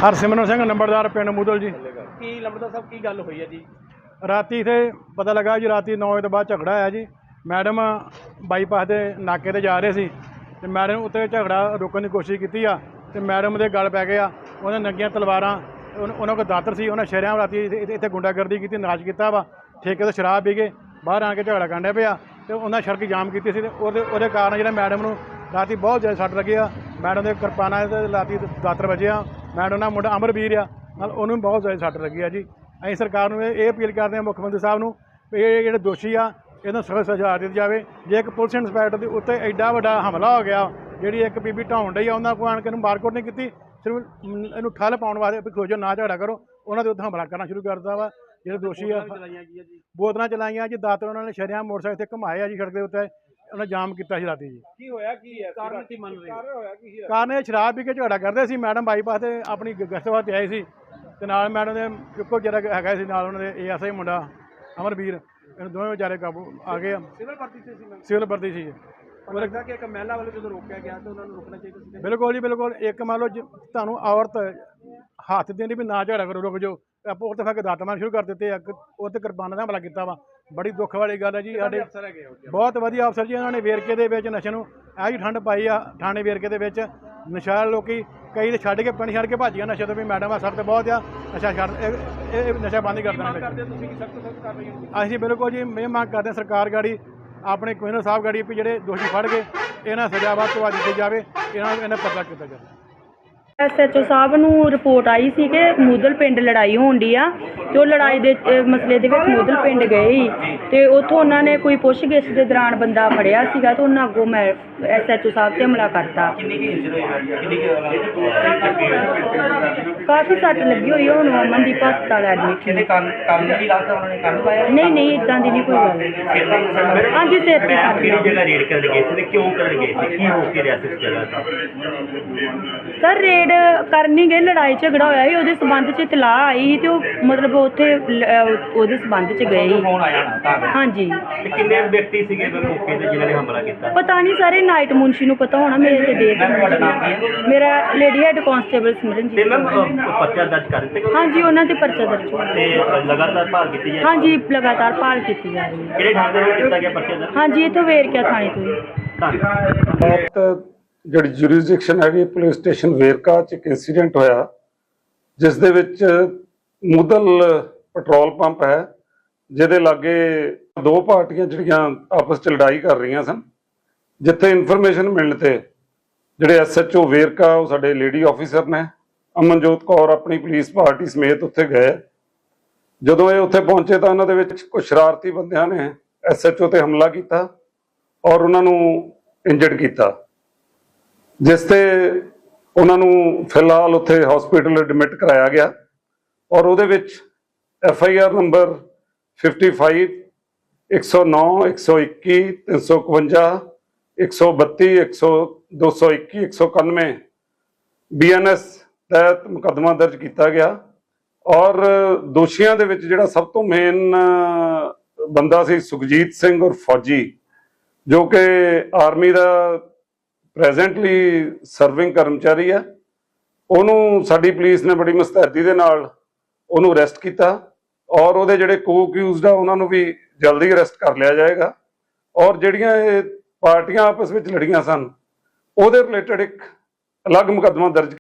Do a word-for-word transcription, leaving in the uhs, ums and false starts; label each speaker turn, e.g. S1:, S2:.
S1: हरसिमरन सिंह नंबरदार पिंड मूदल जी।
S2: की लंबरदार साहब की गल हुई है जी?
S1: राती इत्थे पता लगा जी राती नौ बजे तो बाद झगड़ा आया जी। मैडम बाईपास के नाके ते जा रहे सी ते मैडम उत्ते झगड़ा रोकने की कोशिश की आ ते मैडम दे गल पै गया। उन्हें नंगियां तलवारां उन्होंने कोई दातर सी उन्हें शरेआम राती इत्थे गुंडागर्दी की नाराज किया वा। ठेके तो शराब पी के बाहर आके झगड़ा कांडे पिया तो उन्हें सड़क जाम की सी। उहदे कारण जो मैडम नूं राती बहुत ज़्यादा सट लगी आ। मैडम के किरपाना राती दातर बजे आ। मैडम का मुंडा अमरवीर आ नाल उन्होंने बहुत ज़्यादा सट लगी आ जी। असीं सरकार नूं ये अपील करते हैं मुख्यमंत्री साहब नूं भी ये जिहड़े दोषी आ इन्हां सख्त सज़ा दी जाए। जे एक पुलिस इंस्पैक्टर के उत्ते एडा वड्डा हमला हो गया जी एक बीबी ढाउण डई आ उन्होंने कोई आण के मारकुट नहीं की सिर्फ इनू ठल पाउण वास्ते भी खोजो ना झगड़ा करो उन्होंने उत्ते हमला करना शुरू कर दिता वा। जो दोषी आ बोतलां चलाइयां जी दातर उन्होंने शरेआम मोटरसाइकिल ते घुमाए जी सड़क के उत्ते उन्हें जाम किया राती जी।
S2: की होया की है कारण की मन रही
S1: कारण ये शराब पी के झगड़ा करते सी। मैडम बाईपास से अपनी गश्त वास्ते आए सी ते नाल मैडम दे इक्को जरा हैगा सी नाल उन्होंने ए एस आई मुंडा अमरवीर इन दोवें बेचारे काबू आ गए।
S2: सिविल भर्ती से सी
S1: सिविल भर्ती सी
S2: लगता कि एक महिला वाले जो रोकया गया तो उन्होंने रोकना चाहिए।
S1: बिल्कुल जी बिल्कुल। एक मान लो तुहानूं औरत हत्थ देनी भी ना झगड़ा करो रुक जाओ आपो उत्ते फिर दात मारने शुरू कर दिते। उत्ते किरपाना दा हमला किया वा। बड़ी दुख वाली गल है जी। साडे बहुत वधिया अफसर जी उन्होंने वेरके दे विच नशे नूं ऐ जी ठंड पाई आ। थाणे वेरके दे विच नशा लोकी कई तो छड्ड के पिंड छड्ड के भज गए नशे तो भी मैडम आ सख्त बहुत आ नशा छड्ड नशा बंद ही कर देना। असीं बिल्कुल जी मैं मांग करते हैं सरकार गाड़ी अपने कमिश्नर साहब गाड़ी भी ਜਿਹੜੇ दोषी फड़ के इन्हां सज़ा ਵੱਧ ਤੋਂ ਵੱਧ ਦਿੱਤੀ ਜਾਵੇ इन्हां इन्हां पता किया जाए।
S3: एस एच ओ साहब नूं रिपोर्ट आई सी कि मूदल पिंड लड़ाई होण डी आ ते ओह लड़ाई दे मसले दे विच मूदल पिंड गए ही ते उत्थों उन्हां ने कोई पुछगिछ दे दौरान बंदा फड़िया सीगा ते उन्हां अगों मैं एस एच ओ साहब ते हमला करता। काफ़ी सट लगी हुई है। हुण अमनदीप हस्पताल एडमिट नहीं नहीं इदां दी नहीं कोई गल। हाँ जी सिर ते सर रेड कर नहीं गए लड़ाई झगड़ा होया ही उहदे संबंध च इतलाह आई ही ते मतलब उत्थे उहदे संबंध च गए ही। हाँ जी
S4: कितने व्यक्ति सीगे मौके ते जिन्हां ने हमला कीता
S3: पता नहीं सारे नाइट मुंशी नूं पता होना मेरे ते देख मेरा lady head constable Simran ji.
S4: पर्चा दर्ज कर दित्ते
S3: हाँ जी उन्हां ते पर्चा दर्ज होया
S4: लगातार भाल कीती जा रही।
S3: हाँ जी लगातार भाल कीती जा रही है।
S4: किहड़े थाणे ते कीता गया पर्चा दर्ज?
S3: हाँ जी इत्थों वेरका थाणे तो ही।
S5: ਜਿਹੜੀ ਜੁਰਿਸਡਿਕਸ਼ਨ ਹੈਗੀ ਪੁਲਿਸ ਸਟੇਸ਼ਨ ਵੇਰਕਾ 'ਚ ਇੱਕ ਇੰਸੀਡੈਂਟ ਹੋਇਆ ਜਿਸ ਦੇ ਵਿੱਚ ਮੁਦਲ ਪੈਟਰੋਲ ਪੰਪ ਹੈ ਜਿਹਦੇ ਲਾਗੇ ਦੋ ਪਾਰਟੀਆਂ ਜਿਹੜੀਆਂ ਆਪਸ 'ਚ ਲੜਾਈ ਕਰ ਰਹੀਆਂ ਸਨ। ਜਿੱਥੇ ਇਨਫੋਰਮੇਸ਼ਨ ਮਿਲਣ ਤੇ ਜਿਹੜੇ ਐਸ ਐਚ ਓ ਵੇਰਕਾ ਉਹ ਸਾਡੇ ਲੇਡੀ ਆਫੀਸਰ ਨੇ ਅਮਨਜੋਤ ਕੌਰ ਆਪਣੀ ਪੁਲਿਸ ਪਾਰਟੀ ਸਮੇਤ ਉੱਥੇ ਗਏ। ਜਦੋਂ ਇਹ ਉੱਥੇ ਪਹੁੰਚੇ ਤਾਂ ਉਹਨਾਂ ਦੇ ਵਿੱਚ ਕੁਝ ਸ਼ਰਾਰਤੀ ਬੰਦਿਆਂ ਨੇ ਐਸ ਐਚ ਓ ਤੇ ਹਮਲਾ ਕੀਤਾ ਔਰ ਉਹਨਾਂ ਨੂੰ ਇੰਜਰਡ ਕੀਤਾ जिस ते उन्होंने फिलहाल उत्थे हॉस्पिटल एडमिट कराया गया और उहदे विच F I R number fifty five एक सौ नौ एक सौ इक्की तीन सौ इकवंजा एक सौ बत्ती एक सौ दो सौ इक्की एक सौ इक्यानवे बी एन एस तहत मुकदमा दर्ज किया गया और दोषियों के विच जिहड़ा सब तो मेन बंदा सी सुखजीत सिंह और फौजी जो कि आर्मी का ਪ੍ਰੈਜ਼ੈਂਟਲੀ ਸਰਵਿੰਗ ਕਰਮਚਾਰੀ ਹੈ। ਉਹਨੂੰ ਸਾਡੀ ਪੁਲਿਸ ਨੇ ਬੜੀ ਮੁਸਤੈਦੀ ਦੇ ਨਾਲ ਉਹਨੂੰ ਅਰੈਸਟ ਕੀਤਾ ਔਰ ਉਹਦੇ ਜਿਹੜੇ ਕੋ ਅਕਿਊਜ਼ਡ ਆ ਉਹਨਾਂ ਨੂੰ ਵੀ ਜਲਦੀ ਅਰੈਸਟ ਕਰ ਲਿਆ ਜਾਏਗਾ ਔਰ ਜਿਹੜੀਆਂ ਇਹ ਪਾਰਟੀਆਂ ਆਪਸ ਵਿੱਚ ਲੜੀਆਂ ਸਨ ਉਹਦੇ ਰਿਲੇਟਡ ਇੱਕ ਅਲੱਗ ਮੁਕੱਦਮਾ ਦਰਜ